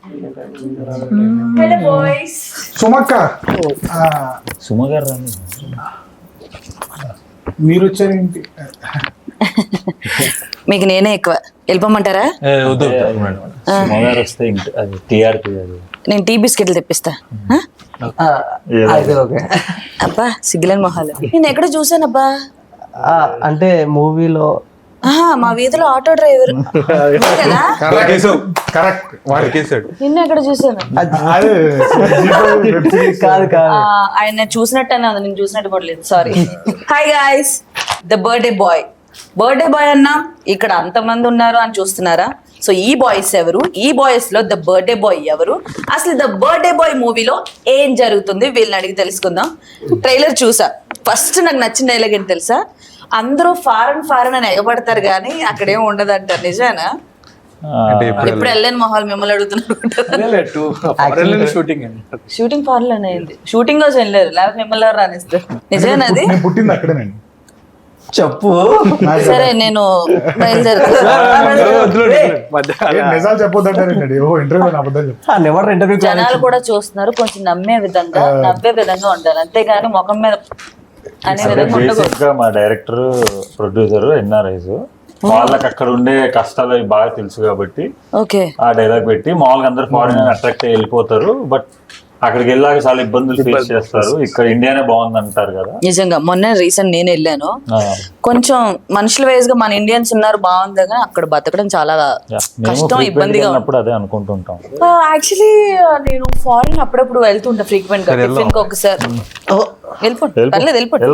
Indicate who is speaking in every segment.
Speaker 1: Hello boys.
Speaker 2: సుమక్క
Speaker 3: Suma గారు రాని
Speaker 2: మీరు వచ్చారేంటి?
Speaker 1: మీకు నేనే ఎక్కువ. వెళ్ళిపోమంటారా?
Speaker 3: సుమ గారు వస్తే ఇంటి అది టీఆర్పీ అది
Speaker 1: నేను టీ బిస్కెట్లు తెప్పిస్తా. అబ్బా సిగ్గులేని మొహాలు. నేను ఎక్కడ చూసానబ్బా?
Speaker 4: అంటే మూవీలో
Speaker 1: మా వీధిలో ఆటో డ్రైవర్ కదా.
Speaker 2: కరెక్ట్ వాడికేసాడు.
Speaker 1: నిన్న ఎక్కడ చూసాను?
Speaker 4: కాదు కాదు
Speaker 1: ఆయన చూసినట్టు నేను చూసినట్టు కూడా లేదు. Sorry. Hi guys, the birthday boy. Birthday boy అన్నా ఇక్కడ అంతమంది ఉన్నారు అని చూస్తున్నారా? సో ఈ బాయ్స్ ఎవరు? ఈ బాయ్స్ లో ద బర్త్డే బాయ్ ఎవరు? అసలు ద బర్త్డే బాయ్ మూవీలో ఏం జరుగుతుంది వీళ్ళని అడిగి తెలుసుకుందాం. ట్రైలర్ చూసా. ఫస్ట్ నాకు నచ్చిన డైలాగ్ ఏంటి తెలుసా? అందరూ ఫారెన్ అని ఎగబడతారు కానీ అక్కడేం ఉండదు అంటారు. నిజానా? ఎప్పుడు వెళ్ళని మొహాలు మిమ్మల్ని అడుగుతున్నారు. షూటింగ్ ఫారెన్ లోనే అయింది. షూటింగ్ కోసం వెళ్ళారు, లేకపోతే మిమ్మల్ని ఎవరు రానిస్తారు. నిజమేనది?
Speaker 2: పుట్టింది అక్కడేనండి.
Speaker 4: చెప్పు.
Speaker 1: సరే నేను బయలుదేరుతా.
Speaker 2: నిజాలు చెప్పొద్దంటారండి. ఓ ఇంటర్వ్యూ అబద్ధాలు
Speaker 4: నెవర్ ఇంటర్వ్యూ.
Speaker 1: జనాలు కూడా చూస్తున్నారు, కొంచెం నవ్వే విధంగా ఉండాలి, అంతేగాని ముఖం మీద అనే విధంగా ఉండకూడదు.
Speaker 3: బేసిక్ గా మా డైరెక్టర్ ప్రొడ్యూసర్ ఎన్ఆర్ఐస్ వాళ్ళకి అక్కడ ఉండే కష్టాలు అవి బాగా తెలుసు కాబట్టి
Speaker 1: ఓకే
Speaker 3: ఆ డైలాగ్ పెట్టి మామూలుగా అందరు ఫారిన్ అట్రాక్ట్ అయ్యి వెళ్ళిపోతారు. బట్ అక్కడికి వెళ్ళాక చాలా ఇబ్బందులు ఫేస్ చేస్తారు. ఇక్కడ ఇండియానే బాగుంది అంటారు కదా.
Speaker 1: నిజంగా మొన్న రీసెంట్ నేను వెళ్ళాను. కొంచెం మనుషుల వైజ్ గా మన ఇండియన్స్ ఉన్నారు బాగుంది, కానీ అక్కడ బతకడం చాలా కష్టం, ఇబ్బందిగా
Speaker 3: ఉన్నప్పుడు అదే అనుకుంటుంటాం.
Speaker 1: యాక్చువల్లీ నేను ఫారిన్ అప్పుడప్పుడు వెళ్తుంటా ఫ్రీక్వెంట్ గా, టిఫిన్ కి ఒకసారి. వెళ్ళిపోండి, పర్లేదు వెళ్ళిపోండి.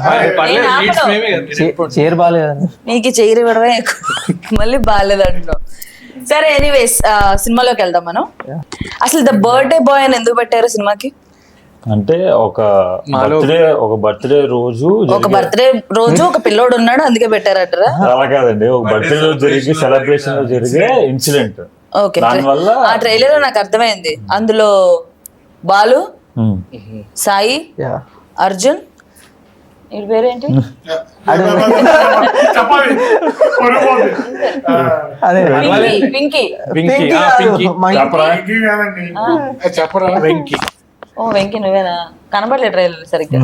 Speaker 4: చైర్ బాగాలేదు,
Speaker 1: నీకు చైర్ ఇవ్వడమే ఎక్కువ, మళ్ళీ బాగాలేదు అంటున్నావు. సరే ఎనీవేస్ సినిమాలోకి వెళ్దాం మనం. అసలు ద బర్త్డే బాయ్ అని ఎందుకు పెట్టారు సినిమాకి?
Speaker 3: అంటే ఒక బర్త్డే రోజు
Speaker 1: ఒక పిల్లోడు ఉన్నాడు అందుకే పెట్టారంటారా?
Speaker 3: అలా కాదండి, ఒక బర్త్డే రోజు జరిగి సెలబ్రేషన్ లో జరిగే ఇన్సిడెంట్.
Speaker 1: ఓకే,
Speaker 3: దానివల్ల
Speaker 1: ఆ ట్రైలర్ నాకు అర్థమైంది. అందులో బాలు, సాయి, అర్జున్, వీడి పేరేంటి? పింకీ. ఓ వెంకీ, నువ్వేనా? కనబడలేదు ట్రైలర్ సరిగ్గా.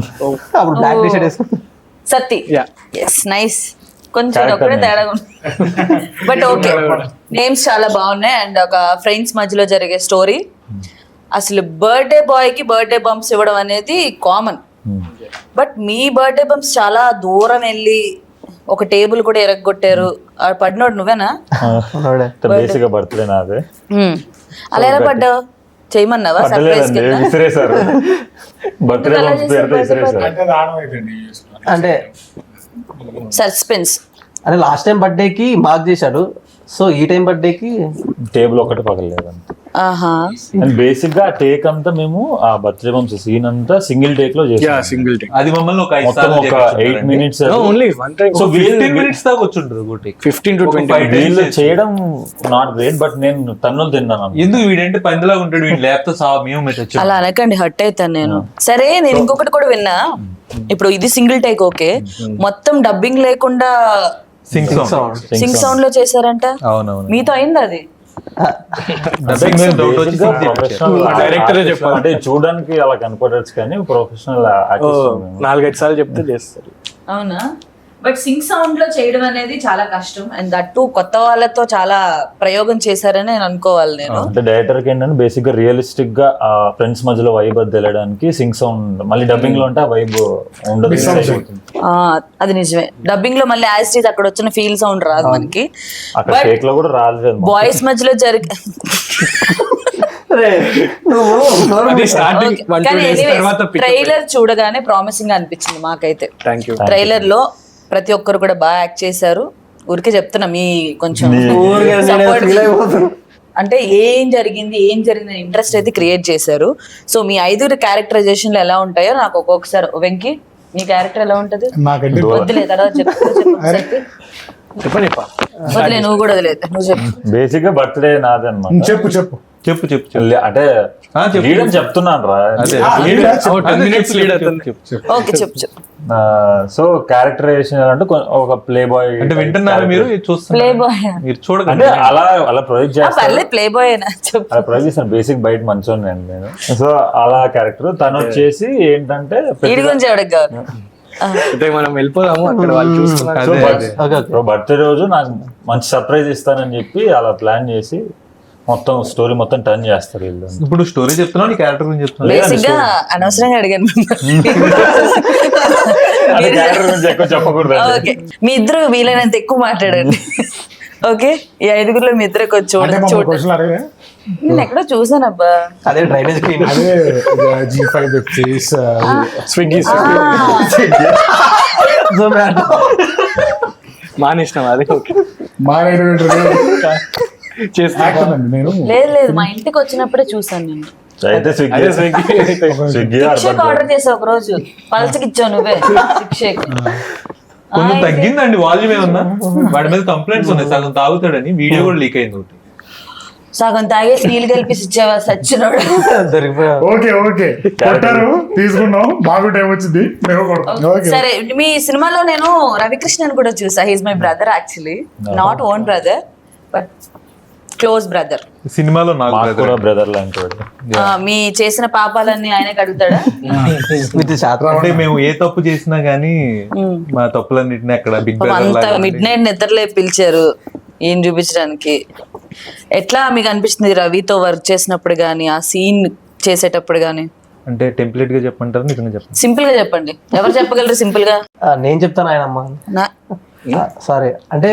Speaker 1: సత్తి. Yes, nice. కొంచెం ఒక్కడే తేడా బట్ ఓకే, నేమ్స్ చాలా బాగున్నాయి. అండ్ ఒక ఫ్రెండ్స్ మధ్యలో జరిగే స్టోరీ. అసలు బర్త్డే బాయ్ కి బర్త్డే బంప్స్ ఇవ్వడం అనేది కామన్, బట్ మీ బర్త్డే బంప్స్ చాలా దూరం వెళ్ళి ఒక టేబుల్ కూడా ఎరగొట్టారు. పడినోడు నువ్వేనా?
Speaker 3: బేసిక్ గా బర్త్డే నాదే.
Speaker 1: అలా ఎలా పడ్డావు? చేయమన్నావా? సర్ప్రైజ్
Speaker 4: అంటే
Speaker 1: సస్పెన్స్.
Speaker 4: అంటే లాస్ట్ టైం బర్త్డే కి మార్క్ చేశాడు, సో ఈ టైం బర్త్డే కి
Speaker 3: టేబుల్ ఒకటి పగలలేదు. అండ్ బేసిక్ గా టేక్ అంతా మేము ఆ బర్త్డే బంప్స్ సీన్ అంతా సింగిల్ టేక్ లో చేసాం.
Speaker 5: Single take.
Speaker 3: అది మమ్మల్ని ఒక 8 minutes
Speaker 5: only 1 time.
Speaker 3: So
Speaker 5: 15 minutes దాకా వచ్చుంటది ఒకటి. 15 to 20
Speaker 3: వీళ్ళు చేయడం నాట్ గ్రేట్, బట్ నేను తన్నులు తిన్నాను.
Speaker 5: ఎందుకు వీడంటే పందిలాగా ఉంటాడు, వీడు లేకపోతే మేము మెచ్చొచ్చు.
Speaker 1: అలా అనకండి, హర్ట్ అవుతాను నేను. సరే నేను ఇంకొకటి కూడా విన్నా. ఇప్పుడు ఇది సింగిల్ టేక్ ఓకే, మొత్తం డబ్బింగ్ లేకుండా సింగ్ సౌండ్ లో చేశారంట.
Speaker 5: అవునవును,
Speaker 1: మీతో అయింది అది?
Speaker 3: అంటే చూడడానికి అలా కనపడచ్చు కానీ ప్రొఫెషనల్
Speaker 5: 4-5 సార్లు చెప్తే చేస్తారు.
Speaker 1: అవునా? బట్ సింగ్ సౌండ్ లో చేయడం అనేది చాలా కష్టం. అండ్ దట్టు కొత్త వాళ్ళతో చాలా ప్రయోగం చేశారని నేను అనుకోవాలి. నేను
Speaker 3: అంటే డైరెక్టర్ కి ఏంటంటే బేసిక్ గా రియలిస్టిక్ గా ఆ ఫ్రెండ్స్ మధ్యలో వైబ్ అది తెలియడానికి సింగ్ సౌండ్, మళ్ళీ డబ్బింగ్ లో ఉంటే ఆ వైబ్ ఉండదు.
Speaker 1: అది నిజమే, డబ్బింగ్ లో మళ్ళీ యాజ్ టీజ్ అక్కడ వచ్చిన ఫీల్ సౌండ్ రాదు మనకి.
Speaker 3: అక్కడ టేక్ లో కూడా రాలేదు.
Speaker 1: బాయ్స్ మధ్యలో జరిగే ట్రైలర్ చూడగానే ప్రామిసింగ్ అనిపించింది మాకైతే. ట్రైలర్ లో ప్రతి ఒక్కరు కూడా బాగా యాక్ట్ చేశారు. ఊరికే చెప్తున్నా, మీ కొంచెం అంటే ఏం జరిగింది ఇంట్రెస్ట్ అయితే క్రియేట్ చేశారు. సో మీ 5 క్యారెక్టరైజేషన్లు ఎలా ఉంటాయో నాకు ఒక్కొక్కసారి. వెంకీ, నీ క్యారెక్టర్ ఎలా ఉంటది? వద్దులే, తర్వాత
Speaker 5: చెప్పండి.
Speaker 1: వదిలే, నువ్వు కూడా వదిలేదు, నువ్వు చెప్పు.
Speaker 3: బేసిక్ గా బర్త్డే నాదే అన్నమాట.
Speaker 2: చెప్పు.
Speaker 5: చెప్పు చెప్పు చెప్పు
Speaker 3: అంటే
Speaker 5: చెప్పు.
Speaker 3: lead అని చెప్తున్నాను రా.
Speaker 5: అదే
Speaker 2: lead ఆ?
Speaker 5: 10 minutes lead అతను.
Speaker 1: ఓకే చెప్పు చెప్పు.
Speaker 3: సో క్యారెక్టరైజేషన్ అంటే ఒక ప్లే బాయ్
Speaker 5: అంటే వింటున్నారా మీరు ఇది చూస్తున్నారు
Speaker 1: ప్లే బాయ్
Speaker 5: మీరు చూడకండి
Speaker 3: అంటే అలా ప్రొజెక్ట్ చేస్తారు.
Speaker 1: పర్లేదు ప్లే బాయ్ అయినా చెప్పు.
Speaker 3: అలా ప్రొజెక్ట్ చేస్తాను. బేసిక్ బయట మంచోని నేను. సో అలా క్యారెక్టర్ తను వచ్చేసి ఏంటంటే
Speaker 1: వీడి గురించి ఎవరికి కావాలి?
Speaker 5: అంటే మనం వెళ్ళిపోదాము అక్కడ వాళ్ళు చూస్తున్నారు
Speaker 3: సో
Speaker 4: ఓకే
Speaker 3: బర్త్డే రోజు నాకు మంచి సర్ప్రైజ్ ఇస్తానని చెప్పి అలా ప్లాన్ చేసి మొత్తం స్టోరీ మొత్తం టర్న్ చేస్తారు వీళ్ళు.
Speaker 5: ఇప్పుడు స్టోరీ చెప్తున్నావు నీ క్యారెక్టర్ గురించి చెప్తున్నావు
Speaker 1: బేసిక్ గా అనవసరంగా అడిగాను
Speaker 3: అది క్యారెక్టర్ గురించి ఎక్కువ చెప్పకూడదు.
Speaker 1: ఓకే మీ ఇద్దరు వీలైనంత ఎక్కువ మాట్లాడండి. ఓకే ఈ ఐదుగురులో మీ ఇద్దరు కొంచెం
Speaker 2: అంటే
Speaker 1: చూడండి.
Speaker 2: క్వశ్చన్ అడిగే
Speaker 1: నేను ఎక్కడో చూసాను అబ్బా.
Speaker 4: అదే డ్రైనేజ్ క్లీన్
Speaker 2: అదే G5 వెబ్ సిరీస్
Speaker 5: స్విగ్గీ మానేసినాం అదే ఓకే
Speaker 2: యాక్టర్ అండి నేను.
Speaker 1: లేదు లేదు మా ఇంటికి వచ్చినప్పుడే చూసాను నేను.
Speaker 3: అయితే స్విగ్గీ
Speaker 1: శిక్షకు ఆర్డర్ చేసావు ఒక రోజు పల్చకి ఇచ్చావు నువ్వే శిక్షకి.
Speaker 5: కొంచెం తగ్గిందండి వాల్యూమ్ ఏమన్నా వాడి మీద కంప్లైంట్స్ ఉన్నాయి సగం తాగుతాడని వీడియో కూడా లీక్ అయింది ఒకటి
Speaker 1: సగం తాగేసి నీళ్ళు కలిపి ఇచ్చావా సచ్చినోడు.
Speaker 4: దొరికిపోయా.
Speaker 2: ఓకే ఓకే కొట్టారు తీసుకున్నాం బాగా టైం వచ్చింది మేము కొడతాం. ఓకే
Speaker 1: సరే మీ సినిమాలో నేను రవికృష్ణన్ కూడా చూసా. He's my brother actually, not own brother but close brother.
Speaker 5: సినిమాలో నాకు brother.
Speaker 3: బ్రదర్ లాంటి వాడు.
Speaker 1: మీ చేసిన పాపాలన్నీ ఆయనే కడుగుతాడా?
Speaker 4: విత్ శాతం
Speaker 5: అంటే మేము ఏ తప్పు చేసినా గానీ మా తప్పులన్నిటిని అక్కడ బిగ్
Speaker 1: అంత మిడ్ నైట్ నిద్రలే పిలిచారు ఏం చూపించడానికి. ఎట్లా మీకు అనిపిస్తుంది రవితో వర్క్ చేసినప్పుడు గానీ ఆ సీన్ చేసేటప్పుడు గానీ?
Speaker 5: అంటే టెంప్లెట్ గా చెప్పంటారు నిజంగా చెప్పండి
Speaker 1: సింపుల్ గా చెప్పండి. ఎవరు చెప్పగలరు సింపుల్ గా?
Speaker 4: నేను చెప్తాను ఆయనమ్మ
Speaker 1: నా-
Speaker 4: సారీ అంటే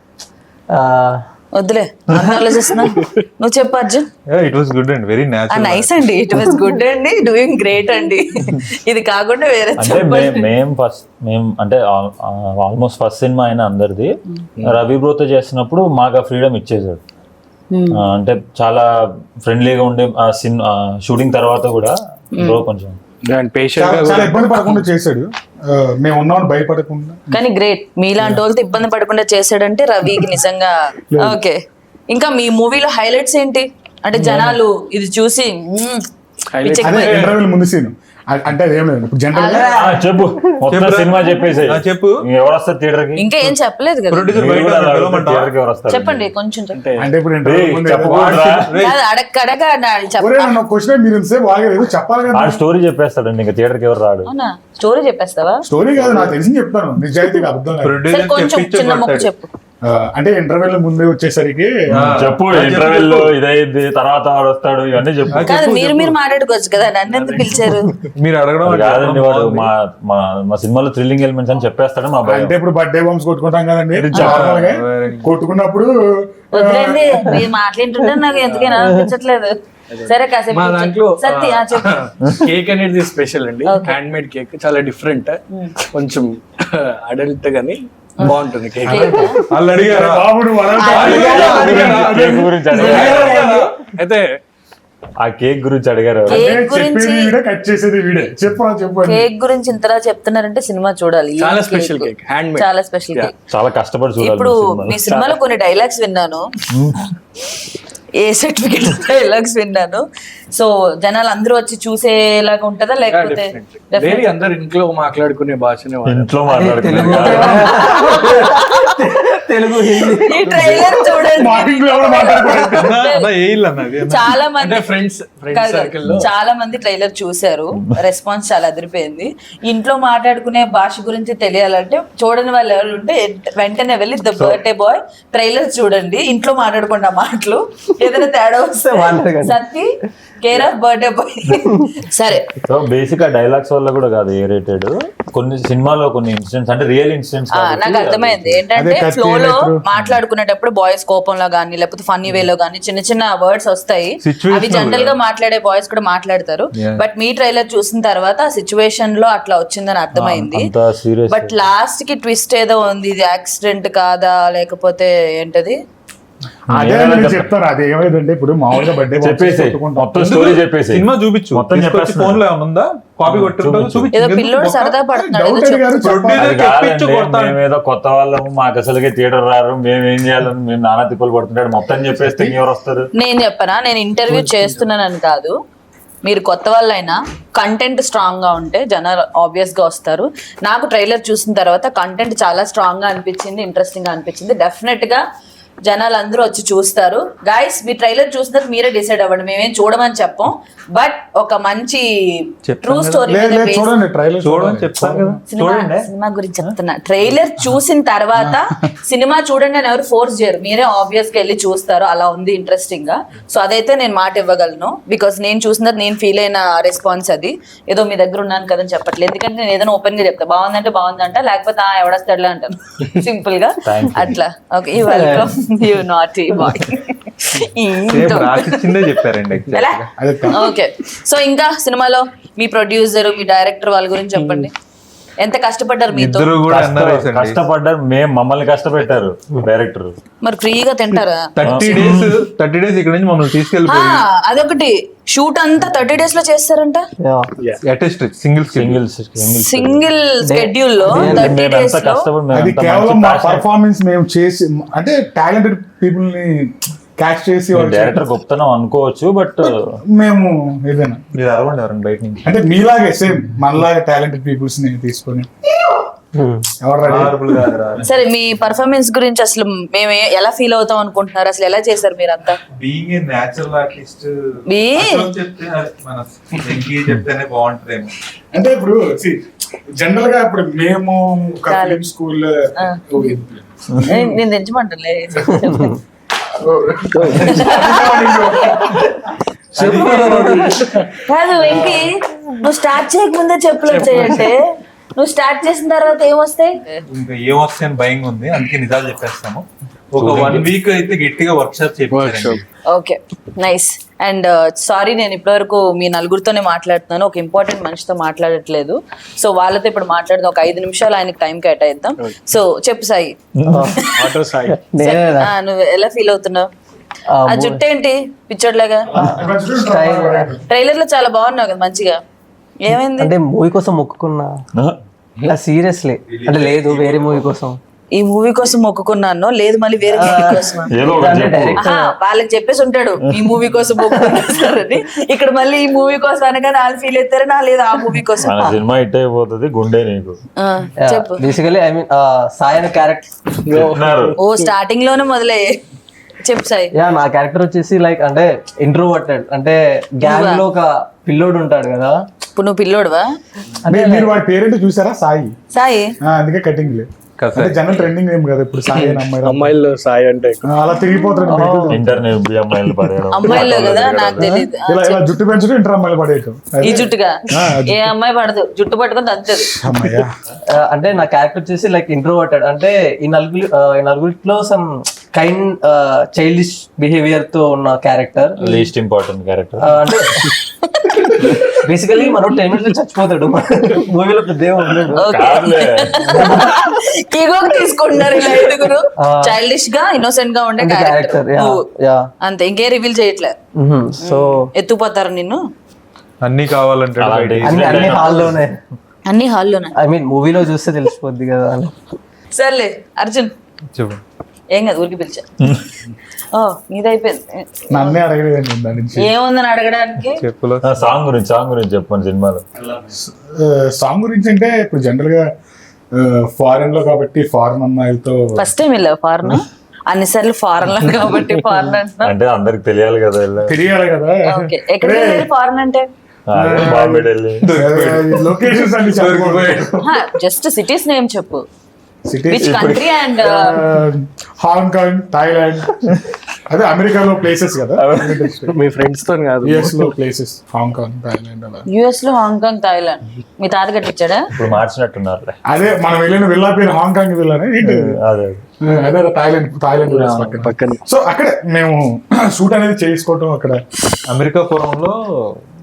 Speaker 1: వద్దులే ఆలోచిస్తున్నా. నువ్వు చెప్పు Arjun.
Speaker 5: It was good and very natural
Speaker 1: nice అండి, ఇట్ వాస్ గుడ్ అండి, డూయింగ్ గ్రేట్ అండి. ఇది కాకుండా వేరే
Speaker 3: అంటే
Speaker 1: చెప్పండి.
Speaker 3: మేము అంటే ఆల్మోస్ట్ ఫస్ట్ సినిమా అయినా అందరిది రవి బ్రోతో చేసినప్పుడు మాకు ఆ ఫ్రీడమ్ ఇచ్చేసాడు. అంటే చాలా ఫ్రెండ్లీగా ఉండే ఆ షూటింగ్ తర్వాత కూడా బ్రో కొంచెం
Speaker 2: చాలా ఇబ్బంది పడకుండా చేశాడు. మేము ఉన్నామని భయపడకుండా.
Speaker 1: కానీ గ్రేట్, మీలాంటి వాళ్ళతో ఇబ్బంది పడకుండా చేశాడంటే రవికి నిజంగా ఓకే. ఇంకా మీ మూవీలో హైలైట్స్ ఏంటి అంటే జనాలు ఇది చూసి
Speaker 2: అదే ఇంటర్వ్యూల ముందు సీన్ అంటే అదేం లేదు ఇప్పుడు జనరల్ గా
Speaker 3: చెప్పు మొత్తం సినిమా చెప్పేసి
Speaker 5: చెప్పు
Speaker 3: ఎవరు వస్తారు థియేటర్ కి?
Speaker 1: ఇంకా ఏం చెప్పలేదు కదా,
Speaker 5: ప్రొడ్యూసర్ బయట
Speaker 3: థియేటర్ కి ఎవరు వస్తారు?
Speaker 1: చెప్పండి కొంచెం చెప్పండి.
Speaker 2: అంటే ఇప్పుడు ఇంటర్వ్యూ ముందు
Speaker 3: చెప్పకూడదురా.
Speaker 1: కాదు, అడగ
Speaker 2: ఒరే నన్ను క్వశ్చన్ మీరు ఇంతసేపు ఆగలేదు చెప్పాలి కదా.
Speaker 3: ఆ స్టోరీ చెప్పేస్తాడండి ఇంకా థియేటర్ కి ఎవరు రాడు.
Speaker 1: అవునా స్టోరీ చెప్పేస్తావా?
Speaker 2: స్టోరీ కాదు నాకు తెలిసి చెప్తాను నిజాయితీగా అర్థం కాదు.
Speaker 1: సరే
Speaker 5: ప్రొడ్యూసర్
Speaker 1: కొంచెం
Speaker 5: చెప్పించే
Speaker 1: చిన్న ముక్క
Speaker 5: పడతాడు.
Speaker 1: చెప్పు.
Speaker 2: అంటే ఇంటర్వ్యూల ముందే వచ్చేసరికి
Speaker 3: చెప్పు ఇంటర్వెల్ ఇదైంది తర్వాత వాడు వస్తాడు ఇవన్నీ చెప్పు.
Speaker 1: కాదు మీరు మాట్లాడుకోవచ్చు కదా, నన్ను ఎందుకు పిలిచారు?
Speaker 5: మీరు అడగడం
Speaker 3: అది కాదండి వాడు మా సినిమాలో థ్రిల్లింగ్ ఎలిమెంట్స్ అని చెప్పేస్తాడు మా భయం.
Speaker 2: అంటే ఇప్పుడు బర్త్డే బాంబ్స్ కొట్టుకుంటాం కదండి నార్మల్ గా కొట్టుకున్నప్పుడు
Speaker 1: వదిలేండి మీరు మాట్లాడుతుంటే నాకు ఎందుకైనా అనిపించట్లేదు. సరే కాసేపు
Speaker 6: మా దాంట్లో
Speaker 1: సత్య చెప్పు.
Speaker 6: కేక్ అనేది స్పెషల్ అండి, హ్యాండ్ మేడ్ కేక్ చాలా డిఫరెంట్, కొంచెం అడల్ట్ గానీ బాగుంటుంది కేక్.
Speaker 5: వాళ్ళు అడిగారా
Speaker 2: బాబు నువ్వు
Speaker 3: కేక్ గురించి అడిగారు.
Speaker 6: అయితే
Speaker 3: ఆ కేక్ గురించి అడిగారు.
Speaker 1: కేక్ గురించి
Speaker 2: చెప్పేది వీడే కట్ చేసేది వీడే చెప్పు చెప్పు
Speaker 1: కేక్ గురించి ఇంతలా చెప్తున్నారంటే సినిమా చూడాలి. ఈ
Speaker 6: చాలా
Speaker 1: cake
Speaker 6: special cake, hand made.
Speaker 1: చాలా స్పెషల్ కేక్.
Speaker 3: చాలా కష్టపడి చూడాలి
Speaker 1: ఇప్పుడు
Speaker 3: మీ సినిమాలో.
Speaker 1: మీ సినిమాలో కొన్ని డైలాగ్స్ విన్నాను, ఏ సర్టిఫికేట్ డైలాగ్స్ విన్నాను. సో జనాలు అందరూ వచ్చి చూసేలాగా ఉంటుందా లేకపోతే
Speaker 6: డైలీ అందరు ఇంట్లో మాట్లాడుకునే భాషనే వాడతారు.
Speaker 3: ఇంట్లో మాట్లాడుతున్నారు
Speaker 4: తెలుగు హిందీ
Speaker 1: ఈ ట్రైలర్ చూడండి.
Speaker 2: మార్నింగ్ ఎవరు మాట్లాడుకోలేదు
Speaker 5: ఏ ఇల్లు అన్నది
Speaker 1: చాలా మంది
Speaker 6: అంటే ఫ్రెండ్స్ సర్కిల్ లో
Speaker 1: చాలా మంది ట్రైలర్ చూశారు, రెస్పాన్స్ చాలా అదిరిపోయింది. ఇంట్లో మాట్లాడుకునే భాష గురించి తెలియాలంటే చూడని వాళ్ళు ఎవరు ఉంటే వెంటనే వెళ్ళి ద బర్త్డే బాయ్ ట్రైలర్ చూడండి. ఇంట్లో మాట్లాడుకున్న మాటలు ఏదైనా తేడా వస్తే Satti care of birthday boy. సరే
Speaker 3: సో బేసిక్ ఆ డైలాగ్స్ వల్ల కూడా కాదు ఏ రేటెడ్, కొన్ని సినిమాలో కొన్ని ఇన్సిడెంట్స్ అంటే రియల్ ఇన్సిడెంట్స్
Speaker 1: నాకు అర్థమైంది ఏంటంటే
Speaker 2: అదే
Speaker 1: ఫ్లో లో
Speaker 2: కత్తి
Speaker 1: మాట్లాడుకునేటప్పుడు బాయ్స్ కోపంలో గానీ లేకపోతే ఫన్నీ వేలో గానీ చిన్న చిన్న వర్డ్స్ వస్తాయి.
Speaker 5: Situational
Speaker 1: అవి జనరల్ గా మాట్లాడే బాయ్స్ కూడా మాట్లాడతారు.
Speaker 5: Yeah.
Speaker 1: బట్ మీ ట్రైలర్ చూసిన తర్వాత ఆ సిచ్యువేషన్ లో అట్లా వచ్చిందని అర్థమైంది.
Speaker 3: అంత సీరియస్.
Speaker 1: బట్ లాస్ట్ కి ట్విస్ట్ ఏదో ఉంది, ఇది యాక్సిడెంట్ కాదా లేకపోతే ఏంటది
Speaker 2: అదే నేను చెప్తాను. అది ఏమైందంటే ఇప్పుడు మామూలుగా బర్త్డే
Speaker 3: చెప్పేసి మొత్తం స్టోరీ చెప్పేసి
Speaker 5: సినిమా చూపించు,
Speaker 3: మొత్తం చెప్పేస్తున్నా.
Speaker 5: ఫోన్ లో ఏమైనా ఉందా, కాపీ కొట్టుంటావు చూపించు.
Speaker 1: ఏదో పిల్లోడు సరదా పడుతున్నాడు ఏదో
Speaker 2: డౌట్ అడిగారు
Speaker 5: Producer
Speaker 3: అది
Speaker 5: చెప్పించు
Speaker 3: కాదండి,
Speaker 5: కొడతాను.
Speaker 3: మేమేదో కొత్త వాళ్ళము, మాకు అసలుకే థియేటర్ రారు, మేము ఏం చేయాలని మేము నానా తిప్పలు పడుతుంటాడు. మొత్తం చెప్పేస్తే ఎవరు వస్తారు?
Speaker 1: నేను చెప్పనా, నేను ఇంటర్వ్యూ చేస్తున్నానని కాదు, మీరు కొత్త వాళ్ళైనా కంటెంట్ స్ట్రాంగ్ గా ఉంటే జనాలు ఆబ్వియస్ గా వస్తారు. నాకు ట్రైలర్ చూసిన తర్వాత కంటెంట్ చాలా స్ట్రాంగ్ గా అనిపించింది, ఇంట్రెస్టింగ్ గా అనిపించింది. డెఫినెట్ గా జనాలు అందరూ వచ్చి చూస్తారు. గైస్, మీ ట్రైలర్ చూసినాక మీరే డిసైడ్ అవ్వండి, మేమేం చూడమని చెప్పం. బట్ ఒక మంచి ట్రూ స్టోరీ
Speaker 2: చూడండి ట్రైలర్
Speaker 5: చూడమని చెప్తాను కదా, చూడండి.
Speaker 1: సినిమా గురించి చెప్తున్నా. ట్రైలర్ చూసిన తర్వాత సినిమా చూడండి అని ఎవరు ఫోర్స్ చేయరు, మీరే ఆబ్వియస్ గా వెళ్ళి చూస్తారు. అలా ఉంది ఇంట్రెస్టింగ్ గా. సో అదైతే నేను మాట ఇవ్వగలను, బికాస్ నేను చూసిన నేను ఫీల్ అయిన రెస్పాన్స్ అది. ఏదో మీ దగ్గర ఉన్నాను కదని చెప్పట్లేదు, ఎందుకంటే నేను ఏదైనా ఓపెన్ గా చెప్తా, బాగుందంటే బాగుందంట, లేకపోతే ఎవడస్తాడులే అంటాను సింపుల్ గా అట్లా. Okay, you welcome, you naughty boy.
Speaker 5: Same రాసిచ్చిందే చెప్పారండి exactly.
Speaker 1: ఓకే, సో ఇంకా సినిమాలో మీ ప్రొడ్యూసర్, మీ డైరెక్టర్ వాళ్ళ గురించి చెప్పండి. ఎంత కష్టపడ్డారు మీతో?
Speaker 5: ఇద్దరు కూడా అన్నారు
Speaker 3: కష్టపడ్డారు, మమ్మల్ని కష్టపెట్టారు డైరెక్టర్.
Speaker 1: మరి ఫ్రీగా తింటారా?
Speaker 5: 30 days ఇక్కడ నుంచి మమ్మల్ని
Speaker 1: ఆ,
Speaker 5: తీసుకెళ్ళిపోయి
Speaker 1: అదొకటి. షూట్ అంతా 30 days లో చేస్తారంట, సింగిల్ స్కెడ్యూల్ లో 30 days లో.
Speaker 2: అది కేవలం మా పర్ఫార్మెన్స్ మేము చేసి, అంటే టాలెంటెడ్ పీపుల్ ని క్యాచ్ చేసి
Speaker 3: డైరెక్టర్ గొప్పతనం అనుకోవచ్చు, బట్
Speaker 2: మేము ఏదైనా
Speaker 5: మీరు అరవండి ఎవరండి బయట నుంచి.
Speaker 2: అంటే మీలాగే సేమ్ మనలాగే టాలెంటెడ్ పీపుల్స్ ని తీసుకొని ఎవరు ready?
Speaker 1: సరే, మీ పర్ఫార్మెన్స్ గురించి అసలు మేము ఎలా ఫీల్ అవుతాం అనుకుంటున్నారు? అసలు ఎలా చేశారు మీరంతా?
Speaker 7: బీయింగ్ ఏ నేచురల్ ఆర్టిస్ట్ చెప్తే మన చెప్తేనే బాగుంటదేమో.
Speaker 2: అంటే ఇప్పుడు జనరల్ గా ఇప్పుడు మేము ఒక ఫిలిం స్కూల్
Speaker 1: నేను తెచ్చమంటలే. కాదు వెంకీ, నువ్వు స్టార్ట్ చేయకముందే చెప్పులు వచ్చాయంటే నువ్వు స్టార్ట్ చేసిన తర్వాత ఏమొస్తాయి?
Speaker 7: ఇంకా ఏమొస్తాయి అని భయంగా ఉంది, అందుకే నిజాలు చెప్పేస్తాము. ఒక 1 week అయితే గట్టిగా వర్క్ షాప్ చేయించారు.
Speaker 1: Okay, nice. అండ్ సారీ, నేను ఇప్పటివరకు మీ నలుగురితోనే మాట్లాడుతున్నాను, ఒక ఇంపార్టెంట్ మనిషితో మాట్లాడట్లేదు. సో వాళ్ళతో ఇప్పుడు మాట్లాడదాం, ఒక 5 నిమిషాలు ఆయనకి టైం కేటాయిద్దాం. సో చెప్పు సాయి, నువ్వు ఎలా ఫీల్ అవుతున్నావు? ఆ జుట్టు ఏంటి పిచ్చోడ్లాగా? ట్రైలర్ లో చాలా బాగున్నావు కదా, మంచిగా. ఏమైంది?
Speaker 4: అంటే మూవీ కోసం మొక్కుకున్నా, సీరియస్లీ. అంటే లేదు, వేరే మూవీ కోసం.
Speaker 1: ఈ మూవీ కోసం మొక్కుకున్నాను, లేదు మళ్ళీ వేరే మూవీ కోసం. వాళ్ళకి చెప్పేసి ఉంటాడు ఈ మూవీ కోసం మొక్కుకున్నారని, ఇక్కడ మళ్ళీ ఈ మూవీ కోసం అనగానే వాళ్ళు ఫీల్ అవుతారు, నా లేదు ఆ మూవీ కోసం.
Speaker 3: సినిమా హిట్ అయిపోతుంది, గుండె నీకు.
Speaker 1: చెప్పు.
Speaker 4: Basically I mean Sai character
Speaker 1: ఓ స్టార్టింగ్ లోనే మొదలే. చెప్పు సాయి.
Speaker 4: నా క్యారెక్టర్ వచ్చేసి లైక్ అంటే ఇంట్రోవర్టెడ్, అంటే గ్యాంగ్ లో ఒక పిల్లోడు ఉంటాడు కదా.
Speaker 1: ఇప్పుడు నువ్వు పిల్లోడువా?
Speaker 2: మీరు వాడి పేరెంట్ చూసారా? సాయి.
Speaker 1: సాయి
Speaker 2: అందుకే కటింగ్ లేదు, అంటే జనరల్ ట్రెండింగ్ ఏం కదా ఇప్పుడు సాయి అని
Speaker 6: అమ్మాయిలు సాయి అంటే
Speaker 2: అలా తిరిగిపోతాడు.
Speaker 3: ఇంటర్నెట్ అమ్మాయిలు పడేయడం,
Speaker 1: అమ్మాయిలో కదా, నాకు తెలియదు.
Speaker 2: ఇలా జుట్టు పెంచడం ఇంటర్ అమ్మాయిలు పడేయటం.
Speaker 1: ఈ జుట్టుగా ఏ అమ్మాయి పడదు, జుట్టు పట్టుకొని తంతది.
Speaker 4: అంటే నా క్యారెక్టర్ వచ్చేసి లైక్ ఇంట్రోవర్టెడ్, అంటే ఈ నలుగురిలో సమ్ కైండ్ చైల్డిష్ బిహేవియర్ తో ఉన్న క్యారెక్టర్,
Speaker 3: లీస్ట్ ఇంపార్టెంట్ క్యారెక్టర్.
Speaker 4: అంటే బేసికలీ మనం 10 minutes లో చచ్చిపోతాడు మూవీలో, దేవుడు
Speaker 1: తీసుకుంటున్నారు ఇలా ఐదుగురు చైల్డిష్ గా ఇన్నోసెంట్ గా ఉండే క్యారెక్టర్ అంతే, ఇంకే రివీల్ చేయట్లే.
Speaker 4: సో
Speaker 1: ఎత్తుపోతారు నిన్ను,
Speaker 5: అన్ని కావాలంటే
Speaker 4: అన్ని హాల్లోనే,
Speaker 1: అన్ని హాల్లోనే.
Speaker 4: ఐ మీన్ మూవీలో చూస్తే తెలిసిపోద్ది కదా అని.
Speaker 1: సర్లే అర్జున్,
Speaker 5: చెప్పు.
Speaker 1: ఏం కాదు, ఊరికి పిలిచా. ఓ నీదైపోయింది,
Speaker 2: నన్నే అడగలేదండి దాని నుంచి.
Speaker 1: ఏముందని అడగడానికి?
Speaker 5: చెప్పులో
Speaker 3: సాంగ్ గురించి చెప్పండి. సినిమాలో
Speaker 2: సాంగ్ గురించి అంటే ఇప్పుడు జనరల్ గా ఫారెన్ లో కాబట్టి ఫారెన్ అమ్మాయిలతో
Speaker 1: ఫస్ట్ టైం వెళ్ళావు ఫారెన్? అన్నిసార్లు ఫారెన్ లో కాబట్టి ఫారెన్ అంటున్నా.
Speaker 3: అంటే అందరికి తెలియాలి కదా,
Speaker 2: తెలియాలి కదా.
Speaker 1: ఓకే, ఎక్కడ ఫారెన్ అంటే?
Speaker 3: బాంబే, ఢిల్లీ,
Speaker 2: లొకేషన్స్ అన్ని
Speaker 1: జస్ట్ సిటీస్ నేమ్ చెప్పు.
Speaker 2: Cities
Speaker 1: which country? And
Speaker 2: Hong Kong, Thailand, అదే అమెరికాలో ప్లేసెస్ కదా.
Speaker 6: మీ ఫ్రెండ్స్ తో కాదు,
Speaker 2: యుఎస్ లో ప్లేసెస్, హాంకాంగ్, థాయిలాండ్ అలా.
Speaker 1: యుఎస్ లో హాంకాంగ్, థాయిలాండ్ మీ తాత కట్టించాడా?
Speaker 3: ఇప్పుడు మార్చినట్టున్నారు.
Speaker 2: అదే మనం వెళ్ళిన వెళ్ళా పేరు హాంకాంగ్ వెళ్ళాను,
Speaker 3: అదే
Speaker 2: అదే థాయిలాండ్
Speaker 6: పక్కన.
Speaker 2: సో అక్కడే మేము షూట్ అనేది చేసుకోవటం, అక్కడ
Speaker 5: అమెరికా పురంలో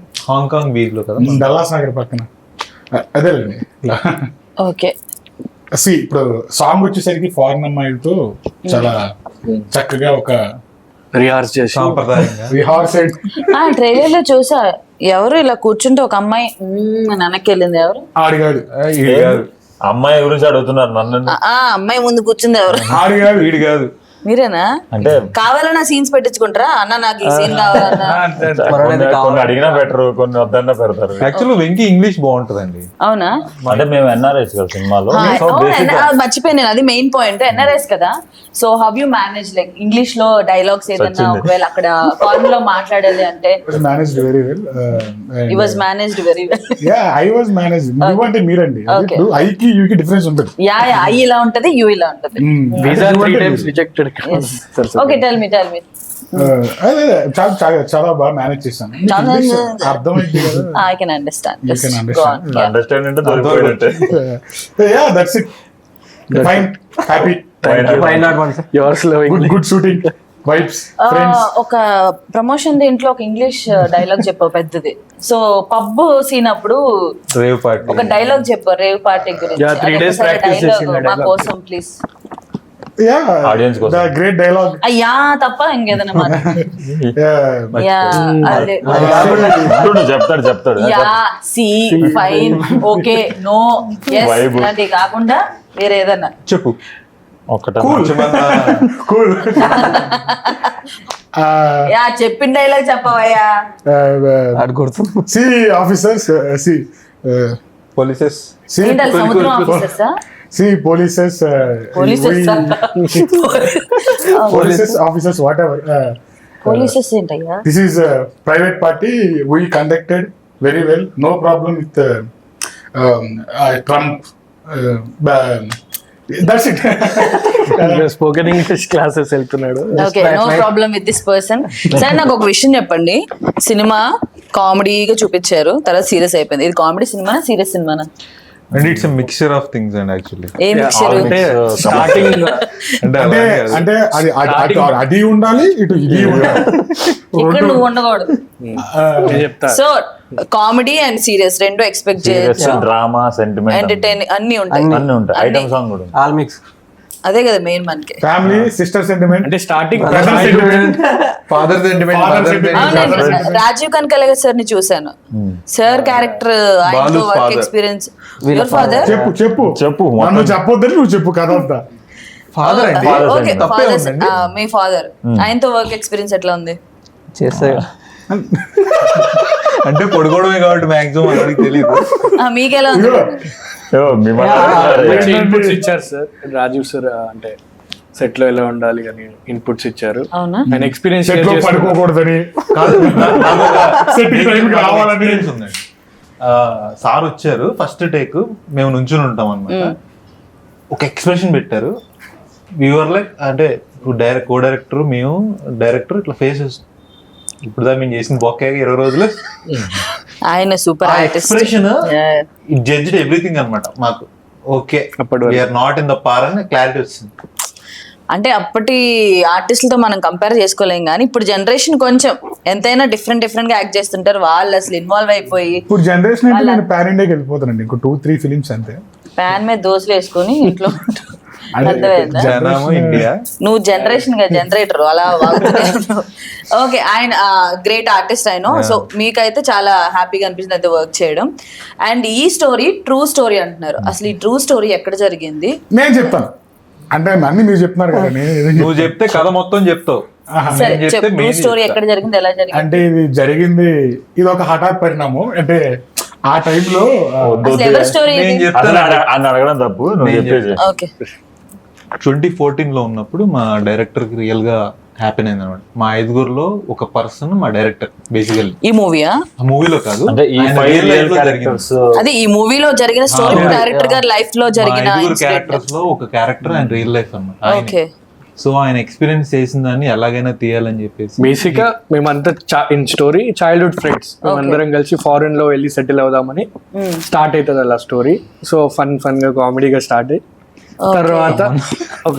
Speaker 5: హాంకాంగ్ బీచ్ లో కదా,
Speaker 2: డల్లాస్ నగర్ పక్కన. అదేలేండి.
Speaker 1: ఓకే,
Speaker 2: ఇప్పుడు సాంగ్ వచ్చేసరికి ఫారెన్ అమ్మాయిలతో చాలా చక్కగా ఒక
Speaker 6: రిహార్స్ చేసి
Speaker 7: సాంప్రదాయంగా
Speaker 2: రిహార్సెడ్
Speaker 1: ఆ ట్రైలర్ లో చూసా, ఎవరు ఇలా కూర్చుంటే ఒక అమ్మాయి వెనక్కి వెళ్ళింది, ఎవరు
Speaker 2: ఆడిగాడు
Speaker 7: ఈడు కాదు
Speaker 3: అమ్మాయి గురించి అడుగుతున్నారు నన్ను.
Speaker 1: ఆ అమ్మాయి ముందు కూర్చుంది ఎవరు?
Speaker 2: ఆడిగాడు
Speaker 7: వీడు కాదు.
Speaker 1: మీరేనా?
Speaker 3: అంటే
Speaker 1: కావాలన్నా సీన్స్ పెట్టించుకుంటారా? అన్న నాకు ఈ సీన్ కావాలన్నా.
Speaker 3: కొన్ని అడిగినా పెట్టరు, కొన్ని వద్దన్నా పెడతారు.
Speaker 7: యాక్చువల్ వెంకీ ఇంగ్లీష్ బాగుంటదండి.
Speaker 1: అవునా?
Speaker 3: అంటే మేము ఎన్ఆర్ఐస్ కదా సినిమాలో. సో బేసిక్
Speaker 1: మర్చిపోయాను నేను, అది మెయిన్ పాయింట్. ఎన్ఆర్ఎస్ కదా, so how you manage like English లో డైలాగ్స్ ఏదన్నా ఒకవేళ అక్కడ ఫారెన్ లో మాట్లాడాలి అంటే?
Speaker 2: Managed very well.
Speaker 1: It was managed very well.
Speaker 2: I was managed. నువ్వు అంటే మీరండి. ఇప్పుడు ఐకి యూకి డిఫరెన్స్ ఉంటుంది.
Speaker 1: యా ఐ ఇలా ఉంటది, యూ ఇలా ఉంటది.
Speaker 6: Visa 3 times rejected.
Speaker 1: Okay tell me
Speaker 2: అదే చాలా చాలా చాలా బాగా మేనేజ్ చేశాను.
Speaker 1: చాలా
Speaker 2: అర్థమైంది కదా.
Speaker 1: I can understand.
Speaker 2: You can understand.
Speaker 3: Understand అంటే దొరికిపోయినట్టే.
Speaker 2: Yeah, that's it. Fine, happy.
Speaker 6: Yours loving.
Speaker 2: Good shooting. Vibes, friends.
Speaker 1: ఒక ప్రమోషన్ దీంట్లో ఒక ఇంగ్లీష్ డైలాగ్ చెప్పావు పెద్దది. సో పబ్ సీన్ అప్పుడు
Speaker 7: రేవ్ పార్టీ.
Speaker 1: ఒక డైలాగ్ చెప్పారు రేవ్ పార్టీ గురించి.
Speaker 6: Yeah, 3 days practice చేసిన
Speaker 1: మా
Speaker 6: dialogue.
Speaker 1: కోసం ప్లీజ్.
Speaker 2: Yeah,
Speaker 3: Audience కోసం.
Speaker 2: the great dialogue.
Speaker 1: అయ్యా తప్ప ఇంకేదైనా మాట.
Speaker 2: Yeah.
Speaker 1: యా అదే
Speaker 3: చెప్తాడు
Speaker 1: yeah see fine okay no yes
Speaker 3: Vibe.
Speaker 1: ఇలాంటివి కాకుండా వేరే ఏదన్నా
Speaker 7: చెప్పు.
Speaker 3: ఒక్కటే
Speaker 2: Cool.
Speaker 1: యా చెప్పిన డైలాగ్ చెప్పవయ్యా.
Speaker 2: See, officers. See.
Speaker 7: Polices.
Speaker 2: See,
Speaker 1: ఏంటి సముద్రం ఆఫీసర్సా?
Speaker 2: see, polices.
Speaker 1: Polices
Speaker 2: Polices, officers, whatever.
Speaker 1: Polices ఏంటయ్యా?
Speaker 2: This is a private party. We conducted very well. No problem with Trump. That's it.
Speaker 6: Spoken English classes వెళ్తున్నాడు.
Speaker 1: Okay no problem with this person. సరే నాకు ఒక విషయం చెప్పండి. Cinema కామెడీగా చూపించారు, తర్వాత సీరియస్ అయిపోయింది. ఇది కామెడీ సినిమా సీరియస్ సినిమానా?
Speaker 7: And it's mixture of things and actually.
Speaker 1: ఏ మిక్చర్?
Speaker 6: స్టార్టింగ్
Speaker 2: అంటే అది ఉండాలి, ఇటు ఇది ఉండాలి.
Speaker 1: ఇక్కడ నువ్వు ఉండకూడదు.
Speaker 6: చెప్తా.
Speaker 1: సో కామెడీ అండ్ సీరియస్ రెండు ఎక్స్పెక్ట్ చేయొచ్చు.
Speaker 3: డ్రామా, సెంటిమెంట్
Speaker 1: ఎంటర్టైన్ అన్ని ఉంటాయి.
Speaker 3: అన్ని ఉంటాయి. ఐటమ్ సాంగ్ కూడా ఉంది.
Speaker 4: All mix.
Speaker 1: అదే కదా మెయిన్ మనకి.
Speaker 2: ఫ్యామిలీ, సిస్టర్ సెంటిమెంట్,
Speaker 6: అంటే starting
Speaker 2: brother sentiment,
Speaker 7: father sentiment.
Speaker 1: అవునండి, రాజీవ్ కనకలగ సార్ ని చూసాను. సార్ క్యారెక్టర్ ఆయనతో
Speaker 7: బాలు's
Speaker 1: work
Speaker 7: father.
Speaker 1: Experience. Your father?
Speaker 2: చెప్పు నన్ను చెప్పొద్దని నువ్వు చెప్పు కథ అంతా.
Speaker 7: ఫాదర్ అండి.
Speaker 1: ఓకే
Speaker 7: తప్పే
Speaker 1: ఫాదర్,
Speaker 7: ఉందండి.
Speaker 1: మీ ఫాదర్ ఆయనతో వర్క్ ఎక్స్పీరియన్స్ ఎట్లా ఉంది?
Speaker 4: చేస్తాయి.
Speaker 7: అంటే పడుకోవడమే కాబట్టి మాక్సిమం అందరికి తెలియదు.
Speaker 1: మీకెలా ఉంది?
Speaker 6: ఇన్పుట్స్ ఇచ్చారు సార్ రాజీవ్ సార్. అంటే సెట్ లో ఎలా ఉండాలి అని ఇన్పుట్స్ ఇచ్చారు.
Speaker 1: అవునా?
Speaker 6: ఆయన ఎక్స్పీరియన్స్
Speaker 2: సెట్ లో పడుకోకూడదని, సెట్ కి టైంకి రావాలని.
Speaker 7: ఉందండి. సార్ వచ్చారు ఫస్ట్ టేక్, మేము నుంచుని ఉంటాం అన్నమాట. ఒక ఎక్స్ప్రెషన్ పెట్టారు. వ్యూవర్ లైక్ అంటే కో డైరెక్టర్ మేము డైరెక్టర్ ఇట్లా ఫేసెస్ ఇప్పుడు దా మేము చేసిన బొక్క 20 రోజులు
Speaker 1: ఆయన super artist.
Speaker 7: Expression it judged everything అన్నమాట మాకు. Okay we are not in the par అని క్లారిటీ వచ్చింది.
Speaker 1: అంటే అప్పటి ఆర్టిస్టులతో మనం కంపేర్ చేసుకోలేం, కానీ ఇప్పుడు జనరేషన్ కొంచెం ఎంతైనా డిఫరెంట్ గా యాక్ట్ చేస్తుంటారు. వాళ్ళు అసలు ఇన్వాల్వ్ అయిపోయి
Speaker 2: ఇప్పుడు జనరేషన్ అయితే నేను పాన్ ఇండియాకి వెళ్ళిపోతానండి. ఇంకో 2-3 ఫిలిమ్స్ అంతే.
Speaker 1: ప్యాన్ మీద దోశలు వేసుకొని ఇంట్లో అర్థమైందా?
Speaker 7: జనము ఇండియా.
Speaker 1: నువ్వు జనరేషన్ గా జనరేటర్ అలా వాగుతూనే ఉన్నావు. ఓకే, ఆయన గ్రేట్ ఆర్టిస్ట్ ఆయన. సో మీకైతే చాలా హ్యాపీగా అనిపించింది అయితే వర్క్ చేయడం. అండ్ ఈ స్టోరీ ట్రూ స్టోరీ అంటున్నారు. అసలు ఈ ట్రూ స్టోరీ ఎక్కడ జరిగింది?
Speaker 2: నేను చెప్తాను. అంటే అన్ని మీరు చెప్తున్నారు కదా, నేను ఏదో
Speaker 7: నువ్వు చెప్తే కథ మొత్తం చెప్తావు.
Speaker 1: సరే
Speaker 7: నేను చెప్తే
Speaker 1: చెప్పు, ట్రూ
Speaker 7: main
Speaker 1: స్టోరీ
Speaker 7: చెప్తా.
Speaker 1: ఎక్కడ జరిగింది, ఎలా జరిగింది?
Speaker 2: అంటే ఇది ఒక హఠాత్ పరిణామం. అంటే ఆ టైంలో
Speaker 1: అసలు ఎవరి స్టోరీ
Speaker 7: నేను
Speaker 1: ఇది?
Speaker 7: చెప్తాను.
Speaker 3: అని అడగడం తప్పు, నువ్వు చెప్పేసి.
Speaker 1: ఓకే
Speaker 7: 2014 లో ఉన్నప్పుడు మా డైరెక్టర్ కి రియల్ గా హ్యాపీన్ అయింది అనమాట. మా 5గురిలో ఒక పర్సన్ మా డైరెక్టర్ బేసికల్లీ.
Speaker 1: ఈ మూవీయా?
Speaker 7: ఆ మూవీలో కాదు,
Speaker 3: అంటే ఈ
Speaker 7: ఆయన
Speaker 3: 5
Speaker 7: real life లో
Speaker 3: క్యారెక్టర్స్
Speaker 1: అదే ఈ మూవీలో జరిగిన స్టోరీ డైరెక్టర్ గారి లైఫ్ లో జరిగిన
Speaker 7: క్యారెక్టర్స్ లో ఒక క్యారెక్టర్ అండ్ రియల్ లైఫ్ అన్నమాట.
Speaker 1: ఓకే.
Speaker 7: సో ఆయన ఎక్స్పీరియన్స్ చేసిన దాన్ని ఎలాగైనా తీయాలని చెప్పేసి
Speaker 6: బేసిక్ గా మేమంతా ఇన్ స్టోరీ చైల్డ్హుడ్ ఫ్రెండ్స్ మేమందరం కలిసి ఫారెన్ లో వెళ్ళి సెటిల్ అవుదామని స్టార్ట్ అవుతుంది అలా స్టోరీ. సో ఫన్ గా కామెడీగా స్టార్ట్ అయ్యి తర్వాత ఒక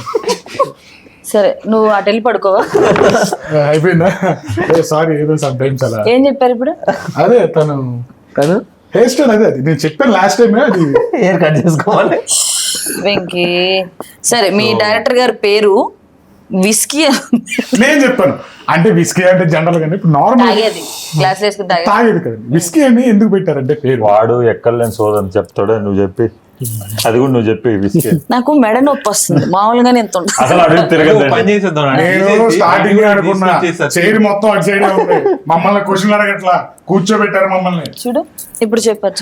Speaker 1: సరే నువ్వు అటు వెళ్ళి పడుకోవా?
Speaker 2: అయిపోయిందా? సారీ, ఏదో సమ్ టైమ్స్ అలా.
Speaker 1: ఏం చెప్పారు ఇప్పుడు?
Speaker 2: అదే తను హెయిర్ స్టైల్, అదే అది నేను చెప్పాను లాస్ట్ టైం. అది
Speaker 4: హెయిర్ కట్ చేసుకోవాలి.
Speaker 1: వెంకీ సరే మీ డైరెక్టర్ గారి పేరు విస్కీ
Speaker 2: నేను చెప్పాను అంటే విస్కీ అంటే జనరల్ గా ఇప్పుడు నార్మల్
Speaker 1: తాగేది గ్లాస్ వేసుకుని తాగేది
Speaker 2: తాగేది కదండి. విస్కీ అని ఎందుకు పెట్టారంటే పేరు?
Speaker 3: వాడు ఎక్కడలేని సోదని చెప్తాడు, నువ్వు చెప్పి అది కూడా నువ్వు చెప్పి విసికే.
Speaker 1: నాకు మెడ నొప్పి వస్తుంది మామూలుగానే ఎంత ఉంటుంది.
Speaker 3: అసలు అడుగు
Speaker 5: పని
Speaker 3: తిరగదండి.
Speaker 5: చేసేద్దాం
Speaker 2: నేను స్టార్టింగ్ అనుకున్నా చైర్ మొత్తం అటు సైడ్ ఉంది, మమ్మల్ని క్వశ్చన్ అడగట్లా, కూర్చోబెట్టారు మమ్మల్ని.
Speaker 1: చూడు ఇప్పుడు చెప్పచ్చు.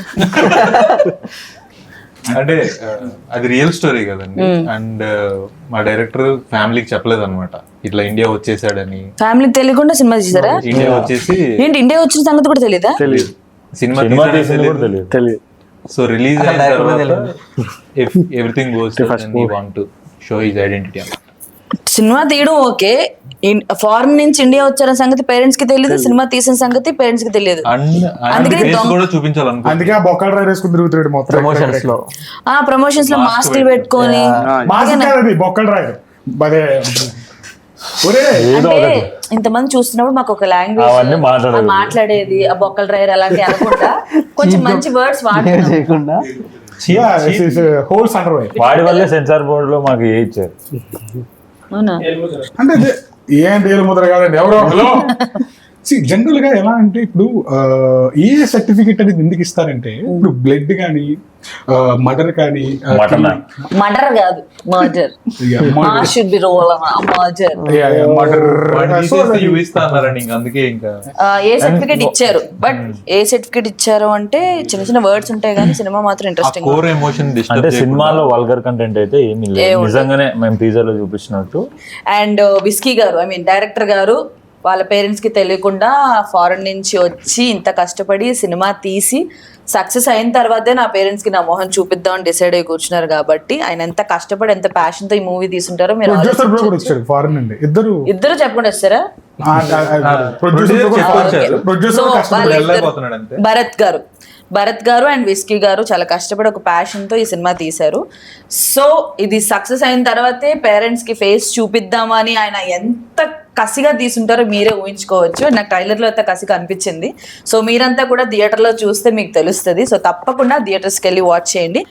Speaker 7: అంటే అది రియల్ స్టోరీ కదండి. అండ్ మా డైరెక్టర్ ఫ్యామిలీకి చెప్పలేదు అనమాట ఇట్లా ఇండియా వచ్చేసాడని.
Speaker 1: ఫ్యామిలీకి తెలియకుండా సినిమా తీసారా?
Speaker 7: ఇండియా వచ్చేసి
Speaker 1: ఏంటి ఇండియా వచ్చిన సంగతి కూడా తెలీదా?
Speaker 7: సినిమా
Speaker 3: సినిమా తీసింది కూడా తెలియదు.
Speaker 6: తెలియదు.
Speaker 7: సో రిలీజ్ అయిన
Speaker 4: direct
Speaker 7: తర్వాత
Speaker 4: తెలియదు.
Speaker 7: Everything goes and he want to show his identity.
Speaker 1: సినిమా తీయడం ఓకే, ఫారెన్ నుంచి ఇండియా వచ్చారన్న సంగతి పేరెంట్స్ కి తెలియదు, సినిమా తీసిన సంగతి పేరెంట్స్ కి తెలియదు. అందుకని
Speaker 7: ఫేస్ కూడా చూపించాలనుకో.
Speaker 2: అందుకే ఆ బొక్కలు డ్రైవ్ వేసుకుని తిరుగుతాడు మొత్తం
Speaker 4: ప్రమోషన్స్ లో
Speaker 1: ఆ ప్రమోషన్స్ లో మాస్క్లు పెట్టుకొని
Speaker 2: మాస్క్ కాదు అది బొక్కలు డ్రైవ్. అదే ఒరే
Speaker 1: అంటే ఇంతమంది చూస్తున్నప్పుడు మాకు ఒక లాంగ్వేజ్
Speaker 3: అవన్నీ మాట్లాడేది.
Speaker 1: మాట్లాడేది ఆ బొక్కల డ్రైవర్ అలాంటి అనుకుంటా కొంచెం మంచి వర్డ్స్ వాడుతున్నాం.
Speaker 4: చేయకుండా
Speaker 2: హోల్స్ అండర్ వై.
Speaker 3: వాడి వల్లే సెన్సార్ బోర్డు లో మాకు ఏ ఇచ్చారు.
Speaker 1: అవునా?
Speaker 2: అంటే అదే ఏం ఏలు ముద్ర కాదండి ఎవరో హలో. జనరల్ గా ఎలా అంటే ఇప్పుడు ఏ సర్టిఫికెట్ అనేది ఎందుకు ఇస్తారంటే ఇప్పుడు బ్లడ్ కానీ మర్డర్ కానీ
Speaker 1: మర్డర్ కాదు murder. Should be role murder.
Speaker 7: చూపిస్తా అన్నారండి ఇంకా అందుకే ఇంకా
Speaker 1: ఏ సర్టిఫికేట్ ఇచ్చారు, బట్ ఏ సర్టిఫికేట్ ఇచ్చారు అంటే చిన్న చిన్న వర్డ్స్ ఉంటాయి కానీ సినిమా మాత్రం ఇంట్రెస్టింగ్.
Speaker 7: కోర్ ఎమోషన్
Speaker 3: అంటే సినిమాలో వల్గర్ కంటెంట్ అయితే ఏమీ లేదు, నిజంగానే మేము టీజర్ లో చూపించినట్టు.
Speaker 1: అండ్ విస్కీ గారు ఐ మీన్ డైరెక్టర్ గారు వాళ్ళ పేరెంట్స్ కి తెలియకుండా ఫారెన్ నుంచి వచ్చి ఇంత కష్టపడి సినిమా తీసి సక్సెస్ అయిన తర్వాతే నా పేరెంట్స్ కి నా మొహం చూపిద్దాం అని డిసైడ్ అయ్యి కూర్చున్నారు. కాబట్టి ఆయన ఎంత కష్టపడి ఎంత ప్యాషన్ తో ఈ మూవీ తీసుంటారో మీరు
Speaker 2: ప్రొడ్యూసర్ బ్రో కూడా వచ్చాడు ఫారెన్ నుండి.
Speaker 1: ఇద్దరు చెప్పకుండా వస్తారా?
Speaker 7: వెళ్ళిపోతున్నాడు అంతే.
Speaker 1: భరత్ గారు అండ్ విస్కీ గారు చాలా కష్టపడి ఒక ప్యాషన్ తో ఈ సినిమా తీశారు. సో ఇది సక్సెస్ అయిన తర్వాతే పేరెంట్స్ కి ఫేస్ చూపిద్దామని ఆయన ఎంత కసిగా తీసుంటారో మీరే ఊహించుకోవచ్చు. నాకు ట్రైలర్ లో అయితే కసిగా అనిపించింది. సో మీరంతా కూడా థియేటర్ లో చూస్తే మీకు తెలుస్తుంది. సో తప్పకుండా థియేటర్స్కి వెళ్ళి వాచ్ చేయండి.